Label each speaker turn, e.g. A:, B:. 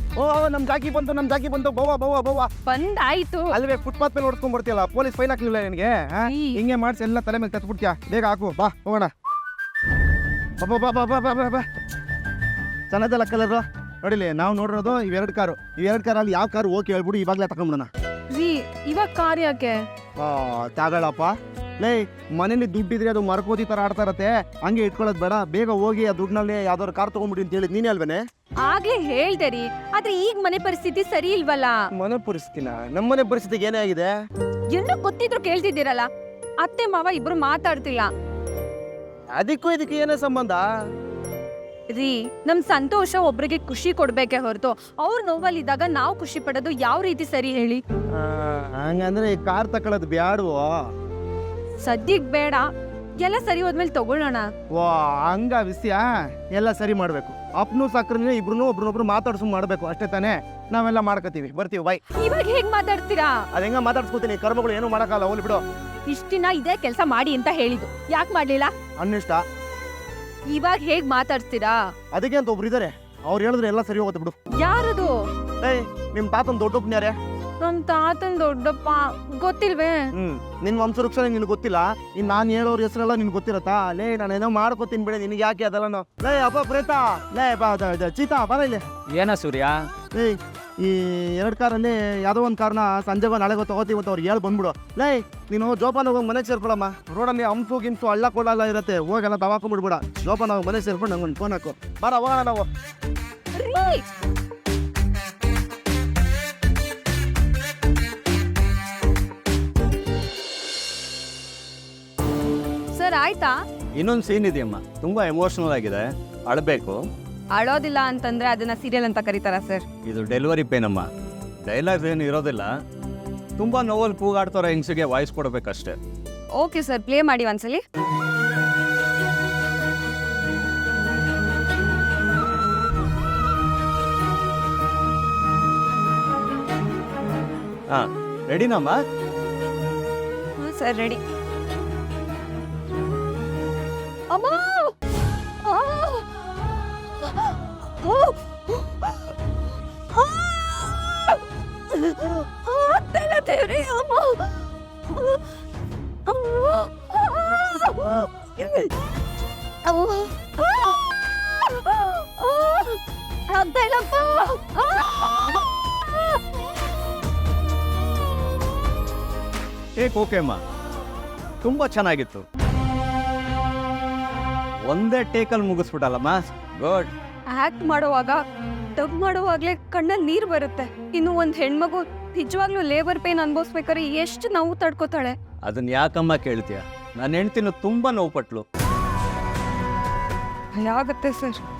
A: ಓ ನಮ್ ಜಾಕಿ ಬಂತು ಬವ್ವ
B: ಬಂದಾಯ್ತು.
A: ಅಲ್ವೇ ಫುಟ್ಪಾತ್ ಮೇಲೆ ಹೊಡ್ಕೊಂಡ್ ಬರ್ತೀಯಲ್ಲ, ಪೊಲೀಸ್ ಫೈನ್ ಹಾಕ್ಲಿಲ್ಲ ನಿನಗೆ? ಹಿಂಗೆ ಮಾಡಿಸಿ ಎಲ್ಲ ತಲೆ ಮೇಲೆ ತತ್ಬಿಡ್ತೀಯ. ಬೇಗ ಹಾಕು, ಬಾ ಹೋಗೋಣ. ಬಾ ಚೆನ್ನಾಗಲ್ಲ ಕಲರ್ ನೋಡಿಲಿ. ನಾವು ನೋಡಿರೋದು ಇವೆರಡು ಕಾರಲ್ಲಿ ಯಾವ ಕಾರು ಓಕೆ ಹೇಳ್ಬಿಡು, ಇವಾಗಲೇ ತಗೊಂಡ್ಬಿಡೋಣ.
B: ಇವಾಗ ಕಾರ್ ಯಾಕೆ?
A: ತಗೊಳಪ್ಪ. ಲೇ, ಮನೇಲಿ ದುಡ್ಡಿದ್ರೆ ಅದು ಮರಕೋತಿ ತರ ಆಡ್ತಾ ಇರತ್ತೆ, ಹಂಗೆ ಇಟ್ಕೊಳ್ಳೋದು ಬೇಡ. ಬೇಗ ಹೋಗಿ ಆ ದುಡ್ಡಿನಲ್ಲಿ ಯಾವ್ದಾದ್ರು ಕಾರ್ ತಗೊಂಡ್ಬಿಡಿ ಅಂತ ಹೇಳಿದ್ ನೀನೇ ಅಲ್ವೇನೆ?
B: ಆಗ್ಲೇ ಹೇಳ್ದೆ ರೀ, ಆದ್ರೆ ಈಗ ಮನೆ ಪರಿಸ್ಥಿತಿ ಸರಿ ಇಲ್ವಲ್ಲ.
A: ಮನೆ ಪರಿಸ್ಥಿತಿನ? ನಮ್ಮನೆ ಪರಿಸ್ಥಿತಿಗೆ ಏನೇ ಆಗಿದೆ?
B: ಎಲ್ಲ ಗೊತ್ತಿದ್ರು ಕೇಳ್ತಿದ್ದೀರಲ್ಲ. ಅತ್ತೆ ಮಾವ ಇಬ್ರು ಮಾತಾಡ್ತಿಲ್ಲ.
A: ಅದಕ್ಕೂ ಇದಕ್ಕೆ ಏನೇ ಸಂಬಂಧ?
B: ರೀ, ನಮ್ ಸಂತೋಷ ಒಬ್ರಿಗೆ ಖುಷಿ ಕೊಡ್ಬೇಕೆ ಹೊರತು ಅವ್ರ ನೋವಲ್ಲಿದ್ದಾಗ ನಾವು ಖುಷಿ ಪಡೋದು ಯಾವ ರೀತಿ ಸರಿ ಹೇಳಿ?
A: ಹಂಗಂದ್ರೆ ಈ ಕಾರ್ ತಕೊಳ್ಳೋದು ಬ್ಯಾಡ್ವೋ?
B: ಸದ್ಯಕ್ ಬೇಡ, ಎಲ್ಲ ಸರಿ ಹೋದ್ಮೇಲೆ ತಗೊಳ್ಳೋಣ.
A: ವಾ, ಹಂಗ ವಿಷಯ ಎಲ್ಲ ಸರಿ ಮಾಡ್ಬೇಕು. ಅಪ್ನು ಸಕ್ರನೇ ಇಬ್ರು ಒಬ್ರನ್ನೊಬ್ರು ಮಾತಾಡ್ಸು ಮಾಡ್ಬೇಕು, ಅಷ್ಟೇ ತಾನೇ? ನಾವೆಲ್ಲ ಮಾಡ್ಕೋತೀವಿ, ಬರ್ತೀವಿ, ಬೈ.
B: ಇವಾಗ ಹೇಗ್ ಮಾತಾಡ್ತೀರಾ?
A: ಅದ ಹೆಂಗ ಮಾತಾಡ್ಸ್ಕೊತೀನಿ, ಕರ್ಮಗಳು ಏನು ಮಾಡಕ್ಕಾಗಲ್ಲ, ಹೋಗ್ಲಿ ಬಿಡು.
B: ಇಷ್ಟ ದಿನ ಇದೇ ಕೆಲಸ ಮಾಡಿ ಅಂತ ಹೇಳಿದ್ದು, ಯಾಕೆ ಮಾಡ್ಲಿಲ್ಲ?
A: ಅನ್ನಿಷ್ಟ.
B: ಇವಾಗ ಹೇಗ್ ಮಾತಾಡ್ತೀರಾ?
A: ಅದಕ್ಕೆ ಅಂತ ಒಬ್ರು ಇದಾರೆ, ಅವ್ರು ಹೇಳಿದ್ರೆ ಎಲ್ಲ ಸರಿ ಹೋಗುತ್ತೆ ಬಿಡು.
B: ಯಾರದು?
A: ಏಯ್, ನಿಮ್ ತಾತನ್ ದೊಡ್ಡಪ್ಪನ ಯಾರೇ?
B: ನಮ್ ತಾತನ್ ದೊಡ್ಡಪ್ಪ. ಗೊತ್ತಿಲ್ವೇ?
A: ನಿನ್ ವಂಶವೃಕ್ಷ ನಿನ್ ಗೊತ್ತಿಲ್ಲ, ಇನ್ ನಾನ್ ಹೇಳೋರ್ ಹೆಸರೆಲ್ಲ ನಿನ್ ಗೊತ್ತಿರತ್ತಾ? ಲೇ, ನಾನೇನೋ ಮಾಡ್ಕೋತೀನಿ ಬಿಡಿ, ನಿನ್ಗೆ ಯಾಕೆ ಅದೆಲ್ಲ? ಲೇ ಅಪ್ಪ ಪ್ರೇತ, ಲೇ ಬಾ ಚೀತಾ ಬರ ಇಲ್ಲಿ.
C: ಏನ ಸೂರ್ಯ?
A: ಏಯ್, ಈ 2 ಕಾರಲ್ಲಿ ಯಾವುದೋ ಒಂದು ಕಾರ್ನ ಸಂಜೆ ನಾಳೆಗೋ ತಗೋತೀವಿ ಅಂತ ಅವ್ರು ಹೇಳಿ ಬಂದ್ಬಿಡು. ಲೇ, ನೀನು ಜೋಪಾನ ಹೋಗಿ ಮನೆಗೆ ಸೇರ್ಕೊಳಮ್ಮ. ರೋಡಲ್ಲಿ ಗಿಂಸು ಹಳ್ಳ ಕೊಳ್ಳಲ್ಲ ಇರತ್ತೆ, ಹೋಗೆಲ್ಲ ದವಾಕೊಂಡ್ಬಿಡ್ಬೇಡ. ಜೋಪಾನ ಹೋಗಿ ಮನೆಗೆ ಸೇರ್ಕೊಂಡು ನಂಗೊಂದು ಫೋನ್ ಹಾಕು. ಬರ ಹೋಗೋಣ ನಾವು.
B: ಸರ್ ಆಯ್ತಾ?
C: ಇನ್ನೊಂದು ಸೀನ್ ಇದೆಯಮ್ಮ, ತುಂಬಾ ಎಮೋಷನಲ್ ಆಗಿದೆ, ಅಳಬೇಕು.
B: ಅಳೋದಿಲ್ಲ ಅಂತಂದ್ರೆ ಅದನ್ನ ಸೀರಿಯಲ್ ಅಂತ ಕರೀತಾರ ಸರ್?
C: ಇದು ಡೆಲಿವರಿ ಪೇನ್ ಅಮ್ಮ, ಡೈಲಾಗ್ಸ್ ಏನು ಇರೋದಿಲ್ಲ. ತುಂಬಾ ನೋವಲ್ಲಿ ಕೂಗಾಡ್ತಾರ ಹೆಂಗ್ಸಿಗೆ ವಾಯ್ಸ್ ಕೊಡ್ಬೇಕಷ್ಟೇ.
B: ಓಕೆ ಸರ್, ಪ್ಲೇ ಮಾಡಿ ಒಂದ್ಸಲಿ.
C: ಹಾ, ರೆಡಿನಮ್ಮ?
B: Sir ready. ಅಮ್ಮ, ದೇವ್ರಿ, ಅಮ್ಮ ಆಗ್ತಾ ಇಲ್ಲಪ್ಪ.
C: ಓಕೆ ಅಮ್ಮ, ತುಂಬಾ ಚೆನ್ನಾಗಿತ್ತು. ಒಂದೇ ಟೇಕಲ್ಲಿ ಮುಗಿಸ್ಬಿಟ್ಟಲ್ಲಮ್ಮ, ಗುಡ್.
B: ಆಕ್ಟ್ ಮಾಡುವಾಗ ಡಬ್ ಮಾಡುವಾಗ್ಲೇ ಕಣ್ಣಲ್ಲಿ ನೀರು ಬರುತ್ತೆ. ಇನ್ನು ಒಂದ್ ಹೆಣ್ಮಗು ನಿಜವಾಗ್ಲೂ ಲೇಬರ್ ಪೇನ್ ಅನ್ಭವಿಸ್ಬೇಕಾದ್ರೆ ಎಷ್ಟು ನೋವು ತಡ್ಕೋತಾಳೆ.
C: ಅದನ್ನ ಯಾಕಮ್ಮ ಕೇಳ್ತೀಯ? ನನ್ನ ಹೆಂಡ್ತಿನೂ ತುಂಬಾ ನೋವು ಪಟ್ಲು.
B: ಭಯ ಆಗತ್ತೆ ಸರ್.